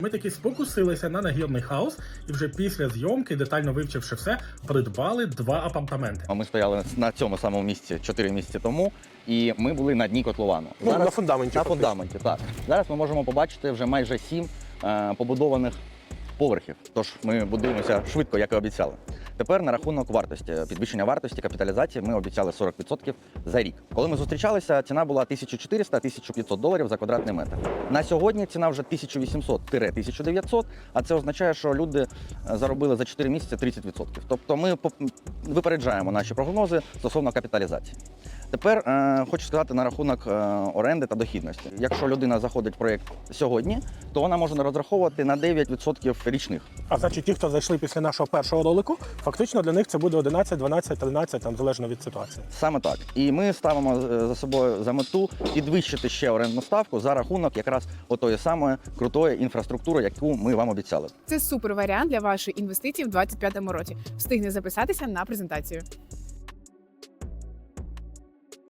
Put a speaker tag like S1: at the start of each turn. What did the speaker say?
S1: Ми таки спокусилися на нагірний хаус і вже після зйомки, детально вивчивши все, придбали 2 апартаменти.
S2: Ми стояли на цьому самому місці 4 місяці тому, і ми були на дні котловану.
S3: Ну, на фундаменті.
S2: На фундаменті, так. Зараз ми можемо побачити вже майже 7 побудованих поверхів. Тож ми будуємося швидко, як і обіцяли. Тепер на рахунок вартості, підвищення вартості, капіталізації ми обіцяли 40% за рік. Коли ми зустрічалися, ціна була $1400–1500 за квадратний метр. На сьогодні ціна вже 1800–1900, а це означає, що люди заробили за 4 місяці 30%. Тобто ми випереджаємо наші прогнози стосовно капіталізації. Тепер хочу сказати на рахунок оренди та дохідності. Якщо людина заходить в проєкт сьогодні, то вона може розраховувати на 9% річних.
S3: А значить, ті, хто зайшли після нашого першого ролику, фактично для них це буде 11, 12, 13, там, залежно від ситуації.
S2: Саме так. І ми ставимо за собою за мету підвищити ще орендну ставку за рахунок якраз отої самої крутої інфраструктури, яку ми вам обіцяли.
S4: Це супер варіант для вашої інвестиції в 2025 році. Встигне записатися на презентацію.